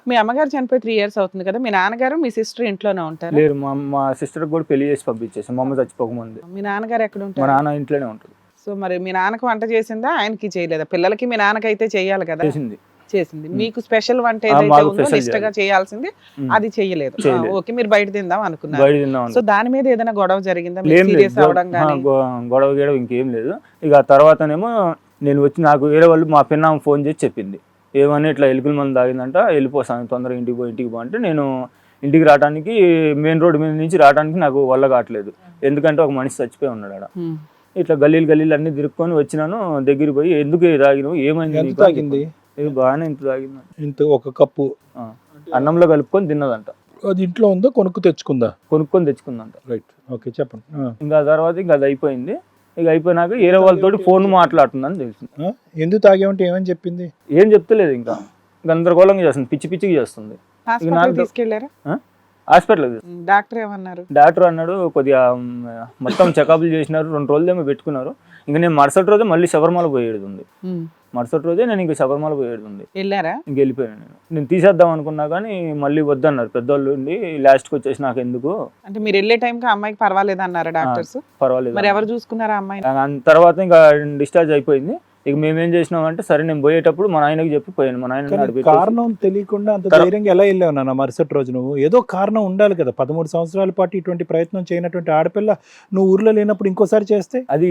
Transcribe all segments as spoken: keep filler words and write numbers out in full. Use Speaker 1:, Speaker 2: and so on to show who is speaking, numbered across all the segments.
Speaker 1: మీ అమ్మగారు చనిపోయి three years అవుతుంది కదా, మీ నాన్నగారు మీ సిస్టర్ ఇంట్లోనే ఉంటారు?
Speaker 2: లేరు, మా మా సిస్టర్ కూడా పెళ్లి చేసి పంపించేసాం మా అమ్మ చచ్చిపోకముందు.
Speaker 1: మీ నాన్నగారు ఎక్కడ
Speaker 2: మా
Speaker 1: ఉంటారు?
Speaker 2: నాన్న ఇంట్లోనే ఉంటాడు.
Speaker 1: సో మరి మీ నాన్నకు వంట చేసిందా, ఆయనకి చేయలేదా? పిల్లలకి మీ నాన్నకైతే చెయ్యాలి కదా.
Speaker 2: చేసింది
Speaker 1: చేసింది. మీకు స్పెషల్ వంట
Speaker 2: ఆ,
Speaker 1: ఏదైతే
Speaker 2: మాకు
Speaker 1: ఉందో
Speaker 2: special
Speaker 1: నిష్టగా చేయాల్సింది
Speaker 2: ఉమ్.
Speaker 1: అది చెయ్యలేదు.
Speaker 2: చేయలేదు.
Speaker 1: ఓకే, మీరు బయట తిందాం అనుకున్నారు.
Speaker 2: బయట తిందాం
Speaker 1: సో దాని మీద ఏదైనా గొడవ జరిగిందా?
Speaker 2: ఏం లేదు,
Speaker 1: సీరియస్ అవడం
Speaker 2: ఆ,
Speaker 1: కానీ?
Speaker 2: గొ- గొడవ గీడవ ఇంకేం లేదు. ఇక ఆ తర్వాతనేమో నేను వచ్చి నాకు వేరే వాళ్ళు మా పిన్నామ ఫోన్ చేసి చెప్పింది, ఏమని ఇట్లా ఎలుకల మంది తాగిందంట, వెళ్ళిపోతాను తొందరగా ఇంటికి పో ఇంటికి పో అంటే, నేను ఇంటికి రావడానికి మెయిన్ రోడ్ మీద నుంచి రావడానికి నాకు వల్ల కావట్లేదు, ఎందుకంటే ఒక మనిషి చచ్చిపోయి ఉన్నాడు ఆడ.
Speaker 1: ఉమ్.
Speaker 2: ఇట్లా గల్లీలు గల్లీలు అన్ని తిరుక్కొని వచ్చినాను, దగ్గరికి పోయి ఎందుకు తాగినావు, ఏమైంది
Speaker 3: ఎంత
Speaker 2: నీకు అని
Speaker 3: తాగింది?
Speaker 2: చెప్పాను. ఇది బాగానే ఇంత తాగింది,
Speaker 3: ఇంత ఒక కప్పు
Speaker 2: ఆ, అన్నంలో కలుపుకొని తిన్నదంట,
Speaker 3: అది ఇంట్లో ఉందో కొనుక్కు తెచ్చుకుందా?
Speaker 2: కొనుక్కొని తెచ్చుకుందంట.
Speaker 3: రైట్, ఓకే చెప్పండి. ఆ.
Speaker 2: ఇంకా ఆ తర్వాత ఇంకా అది అయిపోయింది. ఇక అయిపోయినాక వేరే వాళ్ళతోటి ఫోన్ మాట్లాడుతుందని తెలిసింది.
Speaker 3: ఆ? ఎందుకు తాగేమంటే ఏమని చెప్పింది?
Speaker 2: ఏం చెప్తలేదు, ఇంకా గందరగోళంగా చేస్తుంది, పిచ్చి పిచ్చిగా చేస్తుంది.
Speaker 1: హాస్పిటల్
Speaker 2: నాకు-
Speaker 1: తీసుకెళ్లారా?
Speaker 2: హాస్పిటల్
Speaker 1: ఉమ్, డాక్టర్ ఏమన్నారు?
Speaker 2: డాక్టర్ అన్నాడు కొద్దిగా మ్, మొత్తం చెకప్లు చేసినారు, రెండు రోజులు ఏమో పెట్టుకున్నారు. ఇంకా నేను మరుసటి రోజే మళ్ళీ శబరిమల పోయేది ఉంది.
Speaker 1: ఉమ్.
Speaker 2: మరుసటి రోజే నేను ఇంకా శబరిమల పోయేది ఉంది.
Speaker 1: వెళ్ళారా?
Speaker 2: ఇంక వెళ్ళిపోయాను నేను. నేను తీసేద్దాం అనుకున్నా కానీ మళ్ళీ వద్దన్నారు పెద్దోళ్ళు ఉండి, లాస్ట్కి వచ్చేసి నాకు ఎందుకు
Speaker 1: అంటే మీరు వెళ్ళే టైంకి అమ్మాయికి పర్వాలేదు అన్నారా డాక్టర్స్?
Speaker 2: పర్వాలేదు.
Speaker 1: మరి ఎవరు చూసుకున్నారా అమ్మాయిని?
Speaker 2: ఆ తర్వాత ఇంకా డిశ్చార్జ్ అయిపోయింది. ఇక మేమేం చేసినాం అంటే, సరే నేను పోయేటప్పుడు మా నాయనకి చెప్పి పోయాను. మా నాయన
Speaker 3: కానీ కారణం తెలియకుండా అంత
Speaker 2: తర-
Speaker 3: ధైర్యంగా ఎలా వెళ్ళావు నాన్న మరుసటి రోజు? నువ్వు ఏదో కారణం ఉండాలి కదా. పదమూడు సంవత్సరాల పాటు ఇటువంటి ప్రయత్నం చేయనటువంటి ఆడపిల్ల నువ్వు ఊర్లో లేనప్పుడు ఇంకోసారి చేస్తే?
Speaker 2: అది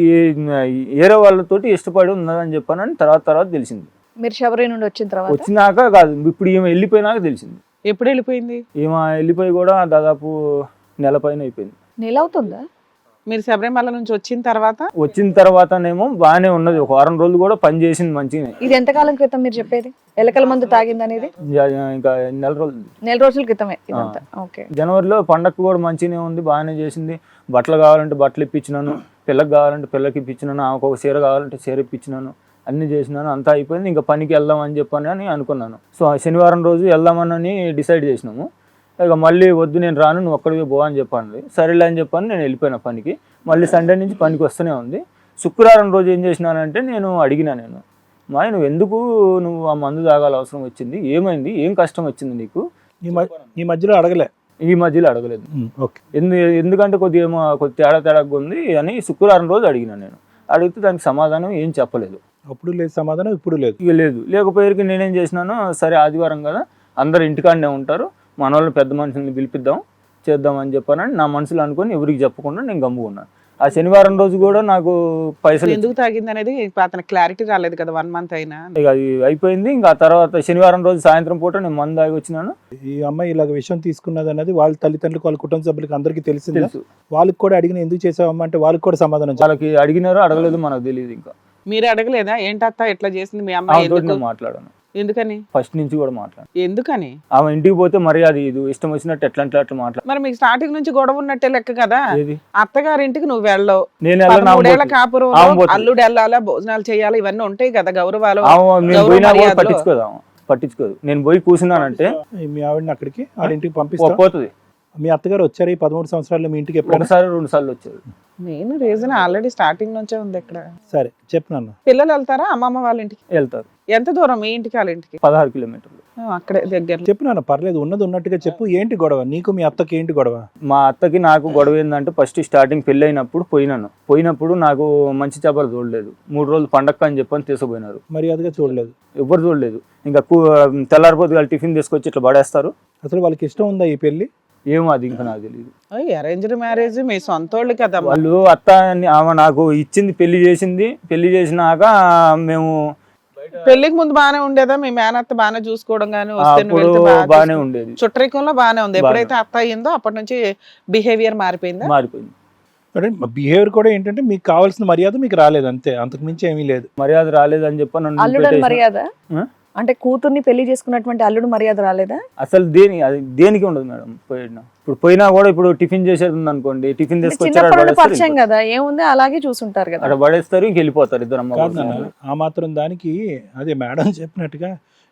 Speaker 2: వేరే వాళ్ళతోటి ఇష్టపడి ఉన్నదని చెప్పానని తర్వాత తర్వాత తెలిసింది.
Speaker 4: మీరు శబరి నుండి వచ్చిన తర్వాత
Speaker 2: వచ్చినాక కాదు, ఇప్పుడు ఈమె వెళ్ళిపోయినాక తెలిసింది.
Speaker 1: ఎప్పుడు వెళ్ళిపోయింది?
Speaker 2: ఈమె వెళ్ళిపోయి కూడా దాదాపు నెల పైన అయిపోయింది.
Speaker 4: నెల అవుతుందా?
Speaker 1: మీరు శబరిమల నుంచి వచ్చిన తర్వాత?
Speaker 2: వచ్చిన తర్వాతనేమో బాగానే ఉన్నది, ఒక వారం రోజులు కూడా పని చేసింది మంచిగా.
Speaker 4: ఇది ఎంతకాలం క్రితం మీరు చెప్పేది? ఎలకల మందు తాగింది అనేది
Speaker 2: ఇంకా నెల రోజులు,
Speaker 4: నెల రోజుల క్రితమే ఇదంతా. ఓకే.
Speaker 2: జనవరిలో పండగ కూడా మంచిగానే ఉంది, బాగానే చేసింది. బట్టలు కావాలంటే బట్టలు ఇప్పించినాను, పిల్లకి కావాలంటే పిల్లకి ఇప్పించినాను, ఆమెకు ఒక చీర కావాలంటే చీర ఇప్పించినాను, అన్ని చేసినాను. అంతా అయిపోయింది, ఇంకా పనికి వెళ్దాం అని చెప్పని అని అనుకున్నాను. సో శనివారం రోజు వెళ్దామని డిసైడ్ చేసినాము. ఇక మళ్ళీ వద్దు నేను రాను, నువ్వు ఒక్కడికి పో అని చెప్పాను. సరేలే అని చెప్పాను, నేను వెళ్ళిపోయిన పనికి. మళ్ళీ సండే నుంచి పనికి వస్తూనే ఉంది. శుక్రవారం రోజు ఏం చేసినానంటే, నేను అడిగినా, నేను మా నువ్వు ఎందుకు నువ్వు ఆ మందు తాగాల అవసరం వచ్చింది, ఏమైంది, ఏం కష్టం వచ్చింది నీకు?
Speaker 3: ఈ మ- ఈ మధ్యలో అడగలే?
Speaker 2: ఈ మధ్యలో అడగలేదు.
Speaker 3: Um, okay.
Speaker 2: ఎందు ఎందుకంటే కొద్దిగా ఏమో కొద్ది తేడా తేడాగా ఉంది అని శుక్రవారం రోజు అడిగినా. నేను అడిగితే దానికి సమాధానం ఏం చెప్పలేదు.
Speaker 3: అప్పుడు లేదు సమాధానం, ఇప్పుడు లేదు.
Speaker 2: ఇక లేదు, లేకపోయేకి నేనేం చేసినాను, సరే ఆదివారం కదా అందరు ఇంటికాడనే ఉంటారు, మన వాళ్ళని పెద్ద మనుషుల్ని పిలిపిద్దాం చేద్దాం అని చెప్పానని నా మనసులో అనుకొని ఎవరికి చెప్పకుండా నేను గమ్ముకున్నాను. ఆ శనివారం రోజు కూడా నాకు పైసలు
Speaker 1: ఎందుకు తాగింది అనేది అతనికి క్లారిటీ రాలేదు కదా, వన్ మంత్ అయినా.
Speaker 2: ఇక అది అయిపోయింది. ఇంకా ఆ తర్వాత శనివారం రోజు సాయంత్రం పూట నేను మందు తాగి వచ్చినాను.
Speaker 3: ఈ అమ్మాయి ఇలాగ విషయం తీసుకున్నది అన్నది వాళ్ళ తల్లిదండ్రులకు, వాళ్ళ కుటుంబ సభ్యులకు అందరికీ తెలిసింది.
Speaker 2: తెలుసు,
Speaker 3: వాళ్ళకి కూడా అడిగిన ఎందుకు చేసావమ్మా అంటే వాళ్ళకి కూడా సమాధానం చెప్పాలి.
Speaker 2: వాళ్ళకి అడిగినారో అడగలేదు మనకు తెలియదు. ఇంకా
Speaker 1: మీరు అడగలేదా ఏంటత్త ఎట్లా చేసింది మీ అమ్మాయి?
Speaker 2: ఆమె తోటి
Speaker 1: ఎందుకు?
Speaker 2: నేను మాట్లాడాను,
Speaker 1: ఎందుకని?
Speaker 2: ఫస్ట్ నుంచి కూడా మాట్లాడాను.
Speaker 1: ఎందుకని?
Speaker 2: ఆమె ఇంటికి పోతే మరి అది ఇది ఇష్టం వచ్చినట్టు ఎట్లా అంటే అట్లా మాట్లాడు.
Speaker 1: మరి మీకు స్టార్టింగ్ నుంచి గొడవ ఉన్నట్టే లెక్క కదా.
Speaker 2: ఏది
Speaker 1: అత్తగారింటికి నువ్వు వెళ్ళవు,
Speaker 2: నేను వెళ్ళను, ఆమె
Speaker 1: మూడేళ్ల
Speaker 2: పోతుంది.
Speaker 1: కాపురం,
Speaker 2: ఆమె పోతుంది.
Speaker 1: అల్లుడు వెళ్ళాలా, భోజనాలు చేయాలి, ఇవన్నీ ఉంటాయి కదా గౌరవాలు.
Speaker 2: ఆమె నేను
Speaker 1: గౌరవ
Speaker 2: పోయినా కూడా
Speaker 1: మర్యాదలు.
Speaker 2: పట్టించుకోదు, ఆమె పట్టించుకోదు. నేను పోయి కూర్చున్నానంటే
Speaker 3: మీ ఆవిడని అక్కడికి వాళ్ళ ఇంటికి పంపిస్తా.
Speaker 2: పోతుంది.
Speaker 3: మీ అత్తగారు వచ్చారు ఈ పదమూడు సంవత్సరాల్లో మీ ఇంటికి ఎప్పుడైనా?
Speaker 2: ఒకసారి రెండు సార్లు వచ్చారు.
Speaker 1: మెయిన్ రీజన్ ఆల్రెడీ స్టార్టింగ్ నుంచే ఉంది ఇక్కడ.
Speaker 3: సరే చెప్పు నాన్న.
Speaker 1: పిల్లలు వెళ్తారా అమ్మమ్మ వాళ్ళ ఇంటికి?
Speaker 2: వెళ్తారు.
Speaker 1: ఎంత దూరం మీ ఇంటికి వాళ్ళ ఇంటికి?
Speaker 2: పదహారు కిలోమీటర్లు.
Speaker 1: ఆ, అక్కడే దగ్గర.
Speaker 3: చెప్పు నాన్న, పర్లేదు, ఉన్నది ఉన్నట్టుగా చెప్పు. ఏంటి గొడవ నీకు మీ అత్తకి? ఏంటి గొడవ?
Speaker 2: మా అత్తకి నాకు గొడవ ఏంటంటే, ఫస్ట్ స్టార్టింగ్ పెళ్ళి అయినప్పుడు పోయినాను. పోయినప్పుడు నాకు మంచి చేపలు చూడలేదు. మూడు రోజులు పండగ అని చెప్పని తీసుకుపోయినారు.
Speaker 3: మర్యాదగా చూడలేదు?
Speaker 2: ఎవరు చూడలేదు. ఇంకా తెల్లారిపోతే వాళ్ళు టిఫిన్ తీసుకొచ్చి ఇట్లా పడేస్తారు.
Speaker 3: అసలు వాళ్ళకి ఇష్టం ఉందా ఈ పెళ్లి?
Speaker 2: ఏమో అది ఇంకా నాకు తెలియదు.
Speaker 1: అరేంజ్డ్ మ్యారేజ్, మీ సొంత వాళ్ళు కదా.
Speaker 2: వాళ్ళు అత్త అని ఆమె నాకు ఇచ్చింది, పెళ్లి చేసింది. పెళ్లి చేసినాక మేము
Speaker 1: పెళ్లికి ముందు బానే ఉండేదా? మీ మేనత్త బానే చూసుకోవడం గానీ, వస్తే నువ్వు
Speaker 2: అప్పుడు
Speaker 1: వెళ్తే బాగా
Speaker 2: బాగానే
Speaker 1: చూసుకో-
Speaker 2: ఉండేది,
Speaker 1: చుట్టరికంలో బానే ఉంది. ఎప్పుడైతే అత్త అయ్యిందో అప్పటి నుంచి బిహేవియర్ మారిపోయిందా?
Speaker 2: మారిపోయింది.
Speaker 3: అంటే బిహేవియర్ కూడా ఏంటంటే మీకు కావాల్సిన మర్యాద మీకు రాలేదు, అంతే, అంతకు మించి ఏమీ లేదు.
Speaker 2: మర్యాద రాలేదు అని చెప్పి నన్ను
Speaker 4: అల్లుడు
Speaker 2: పెట్టేసిన-
Speaker 4: మర్యాద
Speaker 2: ఆ?
Speaker 4: అంటే కూతుర్ని పెళ్లి చేసుకున్నటువంటి అల్లుడు మర్యాద రాలేదా?
Speaker 2: అసలు దేని అది దేనికి ఉండదు మేడం. పోయినా ఇప్పుడు పోయినా కూడా ఇప్పుడు టిఫిన్ చేసేది ఉంది అనుకోండి, టిఫిన్ తీసుకొచ్చారు,
Speaker 4: చిన్నప్పుడు
Speaker 2: అక్కడ పడేస్తారు,
Speaker 4: పరిచయం కదా, ఏముంది అలాగే చూసుంటారు కదా.
Speaker 2: అక్కడ పడేస్తారు, ఇంక వెళ్ళిపోతారు ఇద్దరు అమ్మ
Speaker 3: కాదు
Speaker 2: కొడుకులు.
Speaker 3: నాన్న, ఆ మాత్రం దానికి అదే మేడం చెప్పినట్టుగా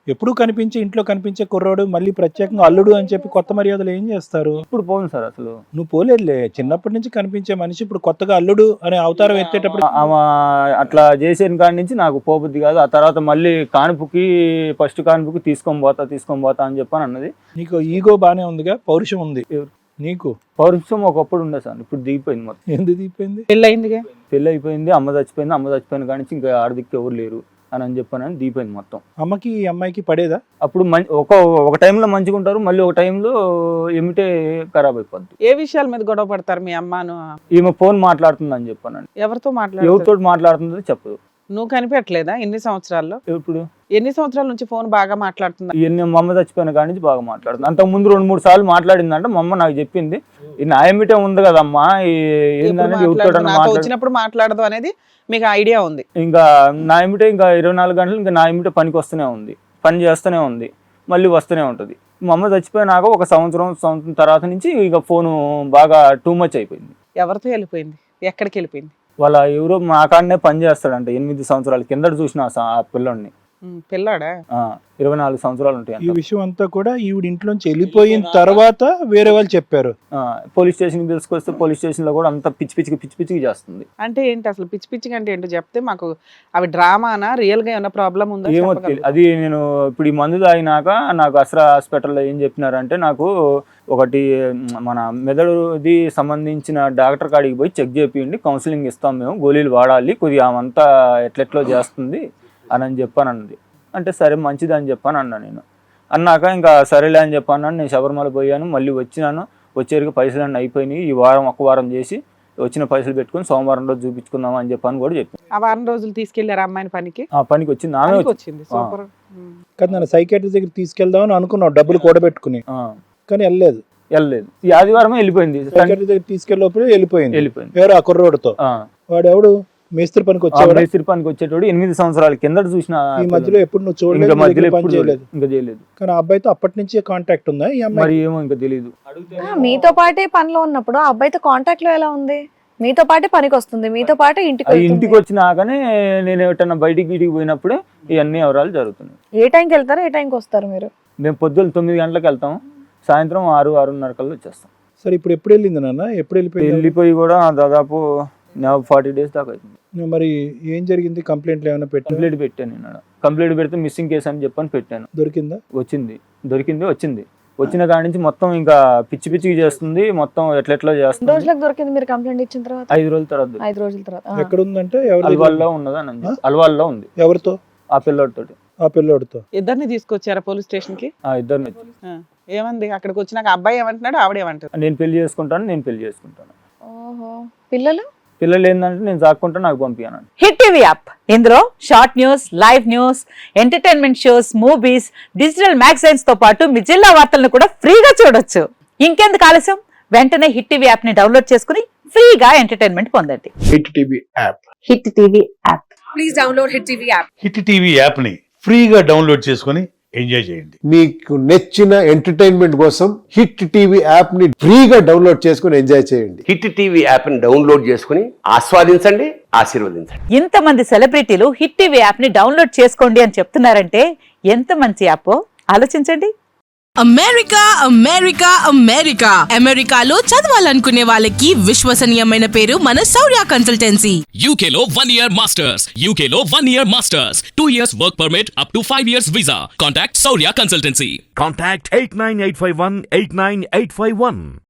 Speaker 3: ఎప్పుడు కనిపించే ఇంట్లో కనిపించే కుర్రోడు మళ్ళీ ప్రత్యేకంగా అల్లుడు అని చెప్పి కొత్త మర్యాదలు ఏం చేస్తారు?
Speaker 2: ఇప్పుడు పోను సార్ అసలు.
Speaker 3: నువ్వు పోలేదులే, చిన్నప్పటి నుంచి కనిపించే మనిషి ఇప్పుడు కొత్తగా అల్లుడు అనే అవతారం ఎత్తేటప్పుడు
Speaker 2: ఆమె అట్లా చేసిన కాడి నుంచి నాకు పోబుద్ది కాదు. ఆ తర్వాత మళ్ళీ కానుపుకి ఫస్ట్ కానుపుకి తీసుకొని పోతా తీసుకొని పోతా అని చెప్పని అన్నది.
Speaker 3: నీకు ఈగో బానే ఉందిగా, పౌరుషం ఉంది నీకు.
Speaker 2: పౌరుషం ఒకప్పుడు ఉండే సార్, ఇప్పుడు దిగిపోయింది మొత్తం.
Speaker 3: ఎందుకు దిగిపోయింది?
Speaker 1: పెళ్ళయిందిగా,
Speaker 2: పెళ్ళి అయిపోయింది, అమ్మ చచ్చిపోయింది, అమ్మ చచ్చిపోయిన కాడి నుంచి ఇంకా ఆడదిక్కు ఎవరు లేరు అని అని చెప్పానని దిగిపోయింది మొత్తం.
Speaker 3: అమ్మకి ఈ అమ్మాయికి పడేదా?
Speaker 2: అప్పుడు మం ఒక ఒక టైంలో మంచిగా ఉంటారు, మళ్ళీ ఒక టైంలో ఏమిటే ఖరాబ్ అయిపోద్ది.
Speaker 1: ఏ విషయాల మీద గొడవ పడతారు మీ అమ్మను?
Speaker 2: ఈమె ఫోన్ మాట్లాడుతుంది అని చెప్పానండి.
Speaker 1: ఎవరితో మాట్లాడు?
Speaker 2: ఎవరితో మాట్లాడుతుందో చెప్పదు.
Speaker 1: నువ్వు కనిపెట్టలేదా ఎన్ని సంవత్సరాల్లో?
Speaker 2: ఇప్పుడు
Speaker 1: ఎన్ని సంవత్సరాల నుంచి ఫోన్ బాగా మాట్లాడుతుందా?
Speaker 2: ఇవన్నీ మా అమ్మ చచ్చిపోయిన కాడి నుంచి బాగా మాట్లాడుతుంది. అంతకు ముందు రెండు మూడు సార్లు మాట్లాడిందంటే మా అమ్మ నాకు చెప్పింది, ఈ నాయమిటే ఉంది కదమ్మా, ఏంటనేది ఎవరితో
Speaker 1: నాతో వచ్చినప్పుడు మాట్లాడదు అనేది మీకు ఐడియా ఉంది.
Speaker 2: ఇంకా నాయమిటే ఇంకా ఇరవై నాలుగు గంటలు ఇంకా నాయమిటే పనికి వస్తూనే ఉంది, పని చేస్తూనే ఉంది, మళ్ళీ వస్తూనే ఉంటుంది. మా అమ్మ చచ్చిపోయినాక ఒక సంవత్సరం సంవత్సరం తర్వాత నుంచి ఇక ఫోను బాగా టూ మచ్ అయిపోయింది.
Speaker 1: ఎవరితో వెళ్ళిపోయింది? ఎక్కడికి వెళ్ళిపోయింది?
Speaker 2: వాళ్ళ ఎవరో మా కాడనే పని చేస్తాడంట. ఎనిమిది సంవత్సరాల కిందట చూసిన ఆ పిల్లోడిని.
Speaker 1: పిల్లాడా?
Speaker 2: ఇరవై నాలుగు సంవత్సరాలు ఉంటాయి.
Speaker 3: ఈ విషయం అంతా కూడా ఈవిడ ఇంట్లోంచి వెళ్ళిపోయిన తర్వాత వేరే వాళ్ళు చెప్పారు.
Speaker 2: పోలీస్ స్టేషన్ తీసుకొస్తే పోలీస్ స్టేషన్ లో కూడా అంత పిచ్చి పిచ్చికి పిచ్చి పిచ్చికి చేస్తుంది.
Speaker 1: అంటే ఏంటి అసలు పిచ్చి పిచ్చికి అంటే ఏంటో చెప్తే మాకు. అవి డ్రామానా, రియల్ గా ఏమైనా ప్రాబ్లం ఉందా?
Speaker 2: ఏమో అది నేను ఇప్పుడు ఈ మందు తాగినాక నాకు అస్రా హాస్పిటల్లో ఏం చెప్పినారంటే, నాకు ఒకటి మన మెదడుది సంబంధించిన డాక్టర్ కాడికి పోయి చెక్ చేపియండి, కౌన్సిలింగ్ ఇస్తాం మేము, గోళీలు వాడాలి, కొద్దిగా ఆమంతా ఎట్లెట్లో చేస్తుంది అని అని చెప్పానంది. అంటే సరే మంచిది అని చెప్పాను అన్నా. నేను అన్నాక ఇంకా సరేలే అని చెప్పాను. నేను శబరిమల పోయాను, మళ్ళీ వచ్చినాను. వచ్చేరికి పైసలు అన్నీ అయిపోయినాయి, ఈ వారం ఒక వారం చేసి వచ్చిన పైసలు పెట్టుకుని సోమవారం రోజు చూపించుకుందాం అని చెప్పాను కూడా చెప్పాను.
Speaker 1: ఆ వారం రోజులు తీసుకెళ్లారు అమ్మాయిని పనికి?
Speaker 2: ఆ పనికి వచ్చింది, ఆమె
Speaker 1: వచ్చింది. సూపర్
Speaker 3: కదా. నన్ను సైకాట్రిస్ట్ దగ్గర తీసుకెళ్దామని అనుకున్నావు డబ్బులు కూడబెట్టుకుని, కానీ వెళ్ళలేదు
Speaker 2: వెళ్ళలేదు. ఈ ఆదివారమే వెళ్ళిపోయింది.
Speaker 3: సైకాట్రిస్ట్ దగ్గర తీసుకెళ్ళినప్పుడు వెళ్ళిపోయింది
Speaker 2: వెళ్ళిపోయింది
Speaker 3: ఎవరు? ఆ కుర్రోడితో. వాడు ఎవడు? మేస్త్రి పనికి వచ్చేవాడు.
Speaker 2: మేస్త్రి పనికి వచ్చేటోడు ఎనిమిది సంవత్సరాల కిందట చూసిన.
Speaker 3: ఈ మధ్యలో ఎప్పుడు నువ్వు చూడలేదు,
Speaker 2: మధ్యలో
Speaker 3: పని చేయలేదు
Speaker 2: ఇంకా చేయలేదు.
Speaker 3: కానీ ఆ అబ్బాయితో అప్పటి నుంచి కాంటాక్ట్ ఉందా ఈ అమ్మాయి?
Speaker 2: మరి ఏమో ఇంకా తెలియదు.
Speaker 4: మీతో పాటే పనిలో ఉన్నప్పుడు ఆ అబ్బాయితో కాంటాక్ట్ లో ఎలా ఉంది? మీతో పాటే పనికి వస్తుంది, మీతో పాటే ఇంటికి
Speaker 2: ఇంటికి వచ్చినాకనే నేను ఎటన్నా బయటికి గిటికి పోయినప్పుడే ఇవన్నీ వివరాలు జరుగుతున్నాయి.
Speaker 4: ఏ టైంకి వెళ్తారు, ఏ టైంకి వస్తారు మీరు?
Speaker 2: మేము పొద్దున్న తొమ్మిది గంటలకు వెళ్తాం, సాయంత్రం ఆరు ఆరున్నర కల్లా వచ్చేస్తాం.
Speaker 3: సరే ఇప్పుడు ఎప్పుడు వెళ్ళింది నాన్న? ఎప్పుడు వెళ్ళిపోయింది?
Speaker 2: వెళ్ళిపోయి కూడా దాదాపు ఫార్టీ డేస్ దాకా అవుతుంది.
Speaker 3: మరి ఏం జరిగింది? కంప్లైంట్లు ఏమైనా పెట్టాను?
Speaker 2: కంప్లైంట్ పెట్టాను నేను. కంప్లైంట్ పెడితే మిస్సింగ్ కేసు అని చెప్పని పెట్టాను.
Speaker 3: దొరికిందా?
Speaker 2: వచ్చింది, దొరికింది వచ్చింది. వచ్చిన కాడి నుంచి మొత్తం ఇంకా పిచ్చి పిచ్చికి చేస్తుంది, మొత్తం ఎట్లెట్లో చేస్తుంది.
Speaker 4: రోజులకు దొరికింది మీరు కంప్లైంట్ ఇచ్చిన తర్వాత?
Speaker 2: ఐదు రోజుల తర్వాత.
Speaker 4: ఐదు రోజుల తర్వాత
Speaker 3: ఎక్కడ ఉందంటే?
Speaker 2: అల్వాల్లో ఉన్నదని. అల్వాల్లో ఉంది.
Speaker 3: ఎవరితో?
Speaker 2: ఆ పిల్లోడితో.
Speaker 3: ఆ పిల్లోడితో.
Speaker 1: ఇద్దరిని తీసుకొచ్చారా పోలీస్ స్టేషన్ కి?
Speaker 2: ఆ ఇద్దరిని.
Speaker 1: ఏమంది అక్కడికి వచ్చినాక? అబ్బాయి ఏమంటున్నాడు, ఆవిడ ఏమంటారు?
Speaker 2: నేను పెళ్లి చేసుకుంటాను, నేను పెళ్లి చేసుకుంటాను.
Speaker 4: ఓహో. పిల్లలు?
Speaker 2: పిల్లలు ఏంటంటే నేను సాక్కుంటా, నాకు పంపియాను.
Speaker 5: హిట్ టీవీ యాప్, ఇందులో short news, live news, entertainment shows, movies, digital magazines తో పాటు మీ జిల్లా వార్తలను కూడా ఫ్రీగా చూడొచ్చు. ఇంకెందుకు ఆలస్యం, వెంటనే హిట్ టీవీ యాప్ ని డౌన్లోడ్ చేసుకుని ఫ్రీగా ఎంటర్టైన్మెంట్ పొందండి.
Speaker 6: Hit TV app.
Speaker 5: Hit TV app.
Speaker 7: Please download hit TV app.
Speaker 6: Hit TV app ని ఫ్రీగా డౌన్లోడ్ చేసుకుని ఎంజాయ్ చేయండి.
Speaker 8: మీకు నచ్చిన ఎంటర్టైన్మెంట్ కోసం హిట్ టీవీ యాప్ ని ఫ్రీగా డౌన్లోడ్ చేసుకుని ఎంజాయ్ చేయండి.
Speaker 9: హిట్ టీవీ యాప్ ని డౌన్లోడ్ చేసుకుని ఆస్వాదించండి, ఆశీర్వదించండి.
Speaker 5: ఇంతమంది సెలబ్రిటీలు హిట్ టీవీ యాప్ ని డౌన్లోడ్ చేసుకోండి అని చెప్తున్నారంటే ఎంత మంచి యాప్ ఆలోచించండి.
Speaker 7: అమెరికా అమెరికా అమెరికా అమెరికాలో చదవాలనుకునే వాళ్ళకి విశ్వసనీయమైన పేరు మన శౌర్య కన్సల్టెన్సీ.
Speaker 10: యూకేలో వన్ ఇయర్ మాస్టర్స్, యూకేలో one year masters, two years work permit, up to five years visa. Contact Shaurya consultancy.
Speaker 11: Contact eight nine eight five one eight nine eight five one.